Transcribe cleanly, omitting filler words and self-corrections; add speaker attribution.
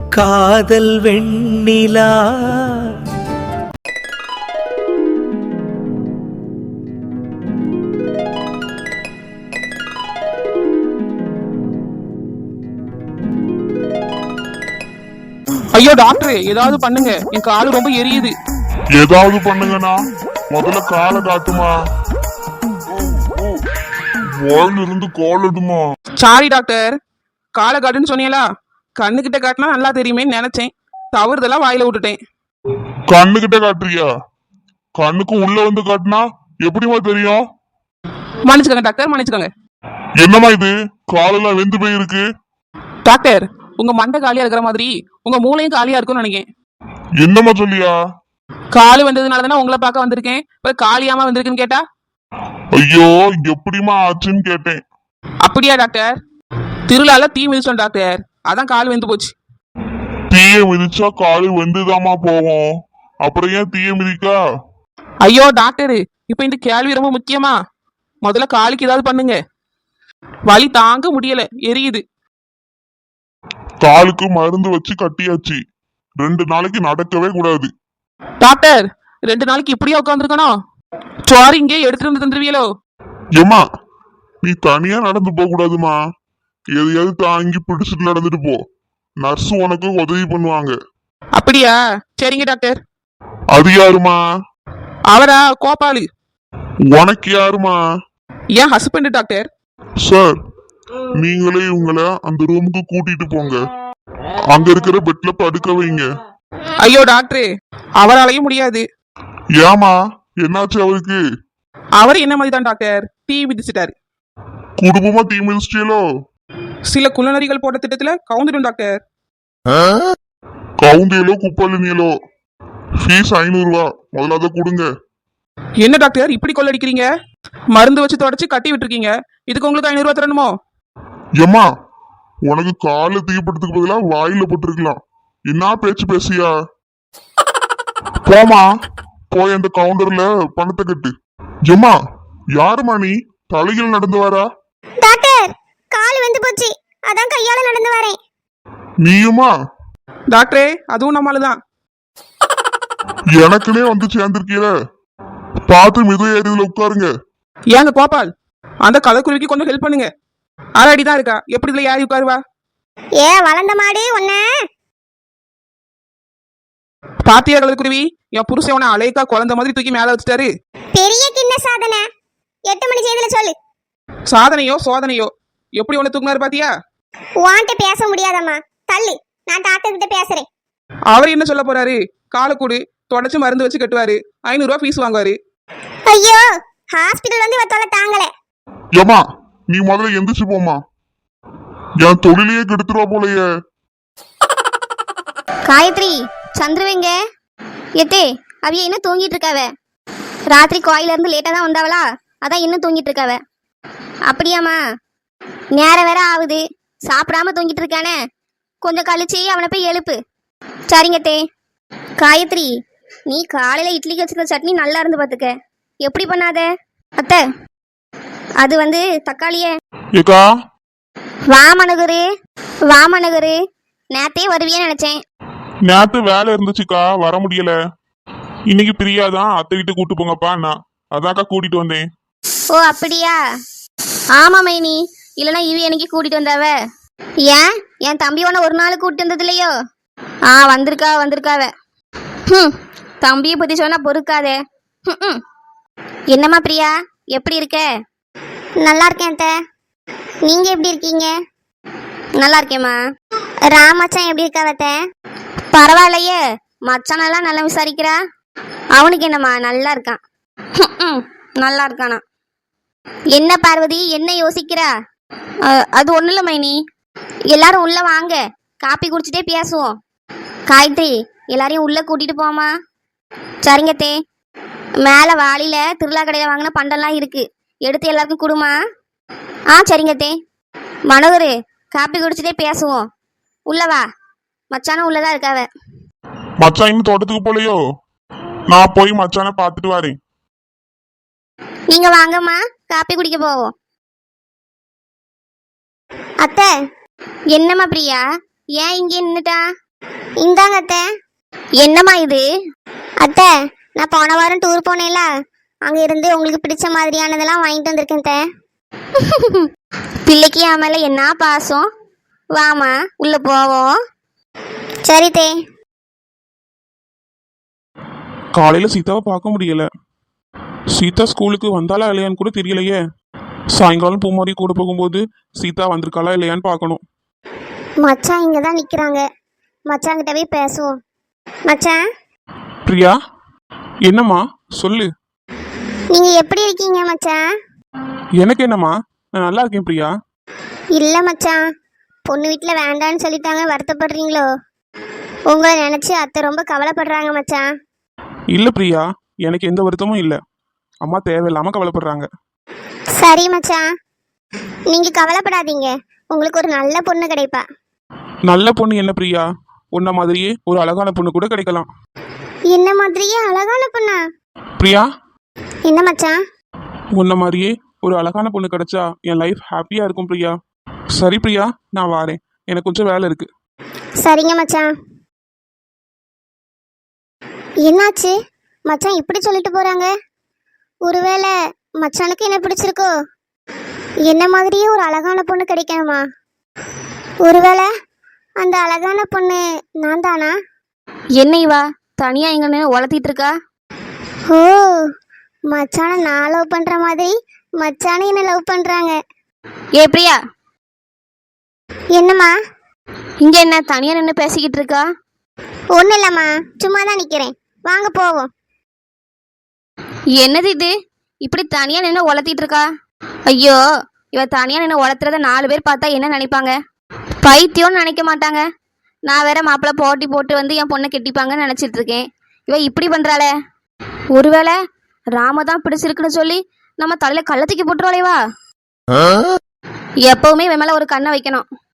Speaker 1: காதல் வெண்ணிலா.
Speaker 2: ஐயோ டாக்டர், ஏதாவது பண்ணுங்க, என் காலு ரொம்ப எரியுது.
Speaker 3: ஏதாவது பண்ணுங்கண்ணா, முதல்ல காலை காட்டுமா, வாயில இருந்து கால் எடுமா.
Speaker 2: சாரி டாக்டர், காலை காட்டுன்னு சொன்னீங்களா, கண்ணுகிட்ட காட்டினா நல்லா தெரியுமேன்னு நினைச்சேன், தவறுதெல்லாம் வாயில விட்டுட்டேன்.
Speaker 3: கண்ணுகிட்ட காட்டுறியா? கண்ணுக்கு உள்ள வந்து காட்டினா எப்படிமா தெரியும்?
Speaker 2: மன்னிச்சுக்கோங்க டாக்டர், மன்னிச்சுக்கோங்க.
Speaker 3: என்னமா இது, காலெல்லாம் வெந்து போயிருக்கு.
Speaker 2: டாக்டர், உங்க மண்டை காலியா இருக்கிற மாதிரி உங்க மூளையும் காலியா இருக்கும்னு நினைக்கிறேன்.
Speaker 3: என்னமா சொல்லியா?
Speaker 2: காலு வந்ததுனால தானே உங்களை பார்க்க வந்திருக்கேன், இப்ப காலியாம வந்திருக்குன்னு கேட்டா?
Speaker 3: ஐயோ, எப்படிமா ஆச்சுன்னு கேட்டேன்.
Speaker 2: அப்படியா டாக்டர்? திருவிழால தீ மிதிச்சோம் டாக்டர், அதான் கால் வெந்து போச்சு.
Speaker 3: தீய மிதிச்சா காலு வெந்துதாமா போகும், அப்புறம் ஏன் தீய மிதிக்கா?
Speaker 2: ஐயோ டாக்டர், இப்ப இந்த கேள்வி ரொம்ப முக்கியமா? முதல்ல காலுக்கு ஏதாவது பண்ணுங்க, வலி தாங்க முடியல, எரியுது.
Speaker 3: காலுக்கு மருந்து வச்சு கட்டியாச்சு, 2 நாளைக்கு நடக்கவே கூடாது.
Speaker 2: டாக்டர், 2 நாளைக்கு இப்படியே உட்காந்துருக்கணும்? சோறு இங்கே எடுத்துட்டு வந்து தந்துருவீங்களோ?
Speaker 3: ஏமா, நீ தனியா நடந்து போக கூடாதுமா, எதையாவது தாங்கி பிடிச்சிட்டு நடந்துட்டு போ, நர்ஸ் உனக்கு உதவி பண்ணுவாங்க.
Speaker 2: அப்படியா, சரிங்க டாக்டர்.
Speaker 3: அது யாருமா?
Speaker 2: அவரா? கோபாலு.
Speaker 3: உனக்கு யாருமா?
Speaker 2: ஏன் ஹஸ்பண்ட் டாக்டர்.
Speaker 3: சார், நீங்களே உங்களை அந்த ரூமுக்கு கூட்டிட்டு போங்க, அங்க இருக்கிற பெட்ல படுக்க வைங்க.
Speaker 2: ஐயோ டாக்டர், அவராலையும் முடியாது.
Speaker 3: ஏமா, என்னாச்சு அவருக்கு?
Speaker 2: அவர் என்ன மாதிரி தான் டாக்டர், தீ மிதிச்சிட்டாரு.
Speaker 3: குடும்பமா தீ மிதிச்சிட்டீங்களோ?
Speaker 2: சில குள்ளநரிகள் போட்ட திட்டத்துல கவுந்துடும் டாக்டர்.
Speaker 3: கவுந்தியலோ குப்பலினியலோ, ஃபீஸ் 500 ரூபா, முதல்ல அதை கொடுங்க.
Speaker 2: என்ன டாக்டர் இப்படி கொள்ளடிக்கிறீங்க? மருந்து வச்சு தொடச்சு கட்டி விட்டுருக்கீங்க, இதுக்கு உங்களுக்கு 500 ரூபா தரணுமோ?
Speaker 3: ஏமா, உனக்கு கால தீப்படுத்துக்கு பதிலா வாயில போட்டிருக்கலாம், என்ன பேச்சு பேசியா? போமா, போய் அந்த கவுண்டர்ல பணத்தை கட்டு. ஏமா, யாருமா நீ, தலையில் நடந்து வரா?
Speaker 4: டாக்டர், கால் வந்து போச்சு, அதான் கையால நடந்து வரேன்.
Speaker 3: நீயுமா?
Speaker 2: டாக்டரே, அதுவும் நம்மளுதான்.
Speaker 3: எனக்குனே வந்து சேர்ந்திருக்கீல, பார்த்து மித ஏறியதுல உட்காருங்க.
Speaker 2: ஏங்க கோபால், அந்த கலக்குருவிக்கு கொஞ்சம் ஹெல்ப் பண்ணுங்க. அடிதான் இருக்கா, எப்படி இதுல யாரி உட்காருவா?
Speaker 4: ஏ வளர்ந்த மாடு ஒன்ன.
Speaker 2: பாத்தியா கலக்குருவி, என் புருஷன் உன அலைக்கா குழந்தை மாதிரி தூக்கி மேல வச்சுட்டாரு.
Speaker 4: பெரிய கிண்ண சாதனை, 8 மணி செய்தில சொல்லு.
Speaker 2: சாதனையோ சோதனையோ, எப்படி உன தூக்குனாரு பாத்தியா?
Speaker 4: வாண்ட பேச முடியாதம்மா, தள்ளு, நான் டாக்டர் கிட்ட பேசுறேன்.
Speaker 2: அவர் என்ன சொல்ல போறாரு? காலை கூடு, தொடச்சு மருந்து வச்சு கட்டுவாரு, 500 ரூபா ஃபீஸ் வாங்குவாரு.
Speaker 4: ஐயோ, ஹாஸ்பிடல் வந்து வத்தால தாங்கல.
Speaker 3: ஏமா, நீ முதல்ல எந்திரிச்சு போமா, என் தொழிலையே கெடுத்துருவா போலயே.
Speaker 4: காயத்ரி, சந்திரவேங்க எத்தே, அவிய என்ன தூங்கிட்டு இருக்காவ? ராத்திரி கோயில இருந்து லேட்டா தான் வந்தாவளா, அதான் இன்னும் தூங்கிட்டு இருக்காவ. அப்படியாம்மா? நேரம் வேற ஆகுது, சாப்பிடாம தூங்கிட்டு இருக்கானே, கொஞ்சம் கழிச்சு அவனை போய் எழுப்பு. சரிங்கத்தே. காயத்ரி, நீ காலையில இட்லிக்கு வச்சிருக்க சட்னி நல்லா இருந்து பாத்துக்க, எப்படி பண்ணாத? அத்தை, அது வந்து தக்காளியே.
Speaker 3: ஏக்கா,
Speaker 4: வாமனகுரு, வாமனகுரு, நேத்தே வருவியே நினைச்சேன்.
Speaker 3: நேத்து வேலை இருந்துச்சுக்கா, வர முடியல. இன்னைக்கு பிரியாதான் அத்தை வீட்டு கூட்டு போங்கப்பா, நான் அதாக்கா கூட்டிட்டு வந்தேன்.
Speaker 4: ஓ அப்படியா? ஆமா மைனி, இல்லைன்னா இவி எனக்கு கூட்டிட்டு வந்தாவ. ஏன், என் தம்பி உன ஒரு நாள் கூட்டிட்டு வந்தது இல்லையோ? வந்திருக்காவ. தம்பியை பத்தி சொன்னா பொறுக்காதே. என்னம்மா பிரியா, எப்படி இருக்க? நல்லா இருக்கேன் அத்தை, நீங்க எப்படி இருக்கீங்க? நல்லா இருக்கேம்மா. ராமச்சான் எப்படி இருக்காவத்த? பரவாயில்லையே, மச்சானெல்லாம் நல்லா விசாரிக்கிறா. அவனுக்கு என்னம்மா, நல்லா இருக்கான். நல்லா இருக்கானா? என்ன பார்வதி, என்ன யோசிக்கிறா? அது ஒன்றும் இல்லை மைனி, எல்லாரும் உள்ள வாங்க, காப்பி குடிச்சிட்டே பேசுவோம். காயத்ரி, எல்லாரையும் உள்ள கூட்டிட்டு போமா. சரிங்கத்தே. மேலே வாளியில திருவிழா கடையில் வாங்கின பண்டம்லாம் இருக்கு, எடுத்து எல்லாருக்கும் கொடுமா. சரிங்கத்தே. மனோகரு, காப்பி குடிச்சிட்டே பேசுவோம், உள்ளவா. மச்சானும் உள்ளதான் இருக்காவ.
Speaker 3: மச்சான் இன்னும் தோட்டத்துக்கு போலையோ? நான் போய் மச்சான பாத்துட்டு வரேன்.
Speaker 4: நீங்க வாங்கம்மா, காப்பி குடிக்க போவோம். அத்தை, என்னம்மா பிரியா, ஏன் இங்கே நின்னுட்டா? இந்தாங்க அத்தை. என்னம்மா இது? அத்தை, நான் போன வாரம் டூர் போனேன்ல, அங்க இருந்து உங்களுக்கு பிடிச்ச மாதிரியானதெல்லாம் வாங்கிட்டு வந்திருக்கேன் அத்தை. பிள்ளைக்கு என் மேல என்ன பாசம். வாமா உள்ள போவோம். சரி தே.
Speaker 2: காலையில சீதாவை பார்க்க முடியல. சீதா ஸ்கூலுக்கு வந்தாளா இல்லையான்னு கூட தெரியலையே. சாயங்காலம் பூமாரி கூட போகும்போது சீதா வந்திருக்காளா இல்லையான்னு பார்க்கணும்.
Speaker 4: மச்சான் இங்க தான் நிக்கிறாங்க. மச்சான் கிட்ட போய் பேசுவோம். மச்சான்,
Speaker 2: பிரியா, என்னம்மா சொல்லு.
Speaker 4: நீங்க எப்படி இருக்கீங்க மச்சான்?
Speaker 2: எனக்கு என்னம்மா, நான் நல்லா இருக்கேன் பிரியா.
Speaker 4: இல்ல மச்சான், பொண்ணு வீட்டுல வேண்டான்னு சொல்லிட்டாங்க, வருத்தப்படுறீங்களோ? உங்களை நினைச்சு அத்தை ரொம்ப கவலைப்படுறாங்க மச்சான்.
Speaker 2: இல்ல பிரியா, எனக்கு எந்த வருத்தமும் இல்லை. அம்மா தேவையில்லாம கவலைப்படுறாங்க.
Speaker 4: சரி மச்சான், நீங்க கவலைப்படாதீங்க, உங்களுக்கு ஒரு நல்ல பொண்ணு கிடைப்பா.
Speaker 2: நல்ல பொண்ணு என்ன பிரியா? உன்ன மாதிரியே ஒரு அழகான பொண்ணு கூட கிடைக்கலாம்.
Speaker 4: என்ன மாதிரியே அழகான பொண்ணா?
Speaker 2: பிரியா,
Speaker 4: என்ன மச்சான்?
Speaker 2: உன்ன மாதிரியே ஒரு அழகான பொண்ணு கிடைச்சா என் லைஃப் ஹாப்பியா இருக்கும் பிரியா. சரி பிரியா, நான் வாரேன், எனக்கு கொஞ்சம் வேலை இருக்கு.
Speaker 4: சரிங்க மச்சான். என்னாச்சு மச்சான் இப்படி சொல்லிட்டு போறாங்க? ஒருவேளை மச்சானுக்கு என்ன பிடிச்சிருக்கோ? என்ன மாதிரியே ஒரு அழகான பொண்ணு கிடைக்கணுமா? ஒருவேளை அந்த அழகான பொண்ணு நான் தானா? என்ன இவா தனியா எங்கன்னு உளத்திட்டு இருக்கா? ஓ, மச்சான நான் லவ் பண்ற மாதிரி மச்சான என்ன லவ் பண்றாங்க. ஏ பிரியா, என்னம்மா? இங்க என்ன தனியா நின்று பேசிக்கிட்டு இருக்கா? ஒன்றும் இல்லம்மா, சும்மா தான் நிற்கிறேன், வாங்க போவோம். என்னது இது, இப்படி தனியா நின்று உளத்திட்டு இருக்கா? ஐயோ, இவ தனியா நின்று உளத்துறத 4 பேர் பார்த்தா என்ன நினைப்பாங்க? பைத்தியம்னு நினைக்க மாட்டாங்க? நான் வேற மாப்பிள்ளை போட்டி போட்டு வந்து என் பொண்ணை கெட்டிப்பாங்கன்னு நினச்சிட்டு இருக்கேன். இவ இப்படி பண்றாளே. ஒருவேளை ராம தான் பிடிச்சிருக்குன்னு சொல்லி நம்ம தலையில கள்ளத்துக்கு போட்டுருவாளேவா? எப்பவுமே இவன் மேல ஒரு கண்ணை வைக்கணும்.